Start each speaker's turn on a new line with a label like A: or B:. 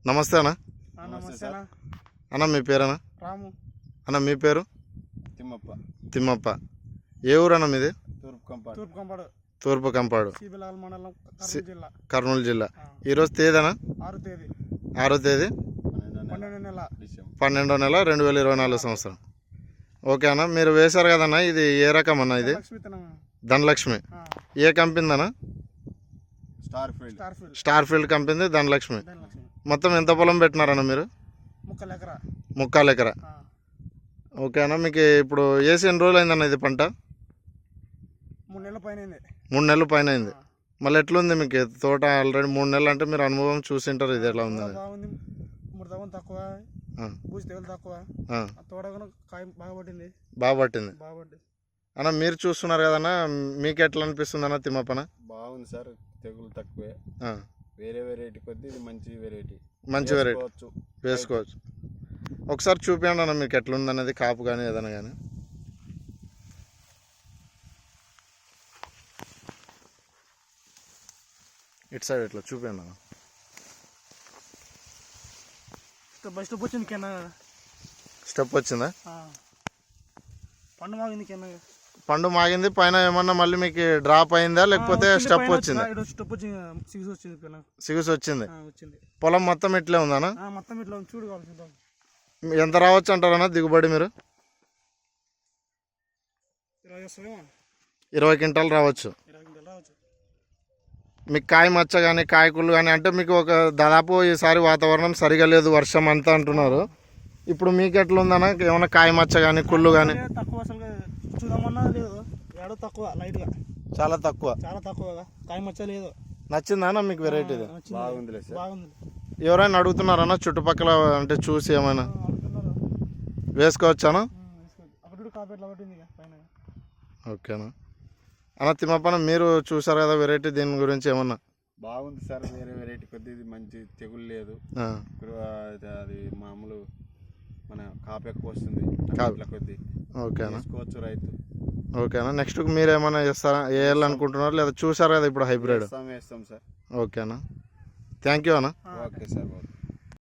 A: నమస్తే అన్న.
B: నమస్తే అన్న.
A: అన్న మీ పేరన్నా?
B: రాము.
A: అన్న మీ పేరు?
C: తిమ్మప్ప.
A: తిమ్మప్ప. ఏ ఊరు అన్న మీది? తూర్పు కంపాడు,
B: మండలం,
A: కర్నూలు జిల్లా. ఈరోజు తేదీనా? 6వ తేదీ 12వ నెల 2024 సంవత్సరం. ఓకే అన్న, మీరు వేశారు కదన్న, ఇది ఏ రకం అన్న? ఇది ధనలక్ష్మి. ఏ కంపెనీ అన్న? Star field company Dhanalakshmi. మొత్తం ఎంత పొలం పెట్టినారన్న మీరు? 3 ఎకరా. ఓకే అన్న, మీకు ఇప్పుడు వేసి ఎన్ని రోజులు అయిందన్న ఇది పంట? 3 నెలల పైన అయింది. మళ్ళీ ఎట్లుంది మీకు తోట? ఆల్రెడీ 3 నెలలు అంటే మీరు అనుభవం చూసింటారు, ఇది ఎలా ఉంది? బాగా పట్టింది అన్న. మీరు చూస్తున్నారు కదన్నా, మీకు ఎట్లా అనిపిస్తుంది అన్న తిమ్మప్పన?
C: బాగుంది సార్, తెగులు తక్కువే. వేరే వెరైటీ కొద్ది ఇది మంచి వెరైటీ వేసుకోవచ్చు. ఒకసారి చూపించండి అన్న మీకు ఎట్లుంది అనేది, కాపు కానీ ఏదైనా కానీ. ఇటు సైడ్ ఇట్లా చూపించండి అన్న. స్టెప్ వచ్చిందా? పండు మాగింది. పైన ఏమన్నా మళ్ళీ మీకు డ్రాప్ అయిందా లేకపోతే స్టెప్ వచ్చిందా? సిగుసు వచ్చింది. పొలం మొత్తం ఇట్లే ఉందన్నా? ఎంత రావచ్చు అంటారన్నా దిగుబడి మీరు? 20 క్వింటాలు రావచ్చు. మీకు కాయ మచ్చ కానీ కాయకుళ్ళు కానీ అంటే మీకు ఒక దాదాపు ఈసారి వాతావరణం సరిగా లేదు, వర్షం అంతా అంటున్నారు. ఇప్పుడు మీకు ఎట్లా ఉందన్నా, ఏమన్నా కాయ మచ్చ కానీ కుళ్ళు కానీ? చాలా తక్కువ.
B: కాయ మచ్చ లేదు.
A: నచ్చిందా మీకు వెరైటీ?
C: బాగుంది.
A: ఎవరైనా అడుగుతున్నారన్నా చుట్టుపక్కల అంటే చూసి ఏమైనా వేసుకోవచ్చానా? ఓకేనా అన్న. తిమ్మప్పన మీరు చూసారు కదా వెరైటీ, దీని గురించి ఏమన్నా?
C: బాగుంది సార్, వేరే వెరైటీ కొద్ది ఇది మంచి తెగులు లేదు. అది మామూలు మన కాపు ఎక్కువ వస్తుంది కొద్ది.
A: ఓకేనా,
C: వేసుకోవచ్చు రైతు.
A: ఓకేనా. నెక్స్ట్ మీరు ఏమైనా చేస్తారా, వేయాలనుకుంటున్నారు లేదా చూసారు కదా ఇప్పుడు హైబ్రిడ్?
C: వేస్తాం సార్.
A: ఓకేనా, థ్యాంక్ యూ అన్న.
C: Okay sir.